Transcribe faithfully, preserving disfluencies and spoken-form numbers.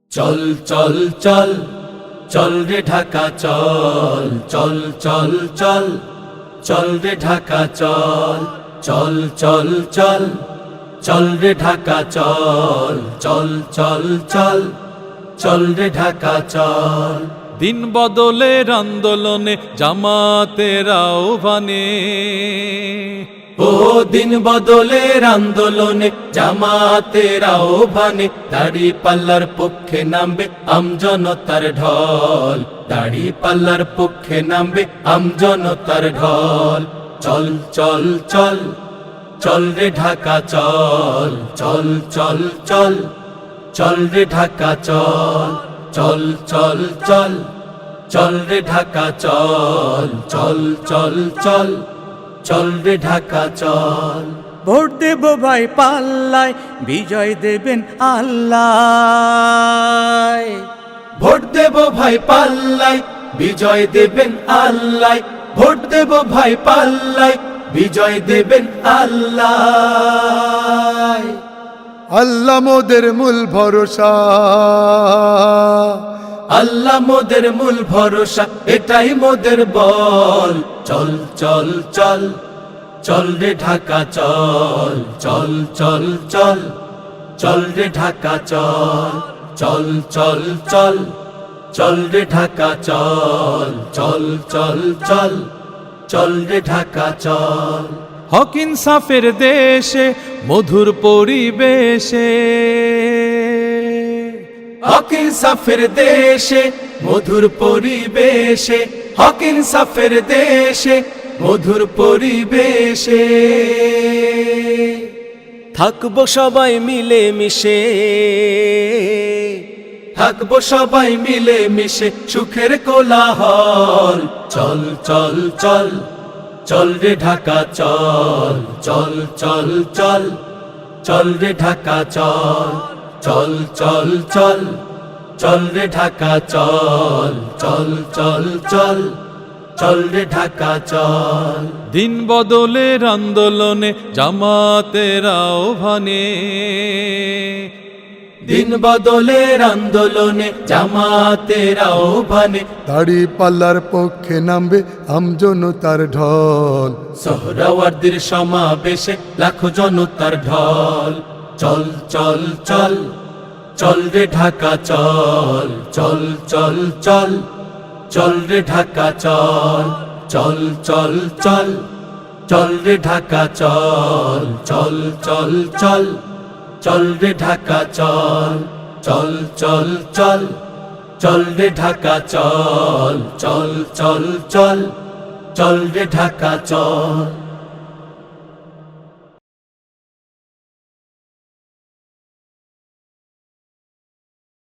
চল চল চল চল রে ঢাকা চল চল চল চল চল রে ঢাকা চল চল চল চল চল রে ঢাকা চল চল চল চল চল রে ঢাকা চল। দিন বদলের আন্দোলনে জামাতের আহ্বানে, ও দিন বদলের আন্দোলনে জামাতের আহ্বানে, দাড়ি পাল্লার পক্ষে নামবে আমজনতার ঢল, দাড়ি পাল্লার পক্ষে নামবে আমজনতার ঢল। চল চল চল চল রে ঢাকা চল চল চল চল চল রে ঢাকা চল চল চল চল চল রে ঢাকা চল চল চল চল চল রে ঢাকা চল। ভোট দেব ভাই পাল্লায়, বিজয় দেবেন আল্লাহ। ভোট দেব ভাই পাল্লায়, বিজয় দেবেন আল্লাহ। ভোট দেব ভাই পাল্লায়, বিজয় দেবেন আল্লাহ। আল্লাহ মোদের মূল ভরসা, আল্লাহ মোদের মূল ভরসা, এটাই মোদের বল। চল চল চল চল রে ঢাকা চল চল চল চল চল রে ঢাকা চল চল চল চল চল রে ঢাকা চল চল চল চল চল রে ঢাকা চল। হক ইনসাফের দেশে মধুর পরিবেশে, হক ইনসাফের দেশে মধুর পরিবেশে, হক ইনসাফের দেশে মধুর পরিবেশে, থাকবো সবাই মিলে মিশে, থাকবো সবাই মিলে মিশে সুখের কোলাহল। চল চল চল চল রে ঢাকা চল চল চল চল চল রে ঢাকা চল চল চল চল চল রে ঢাকা চল চল চল চল চল রে ঢাকা চল। দিন বদলের আন্দোলনে জামাতের আহ্বানে, দিন বদলের আন্দোলনে জামাতের আহ্বানে, দাড়ি পাল্লার পক্ষে নামবে আমজনতার ঢল। সোহরাওয়ার্দীর সমাবেশে লাখো জনতার ঢল। চল চল চল চল রে ঢাকা চল চল চল চল চল রে ঢাকা চল চল চল চল চল রে ঢাকা চল চল চল চল চল রে ঢাকা চল চল চল চল চল রে ঢাকা চল চল চল চল চল রে ঢাকা চল।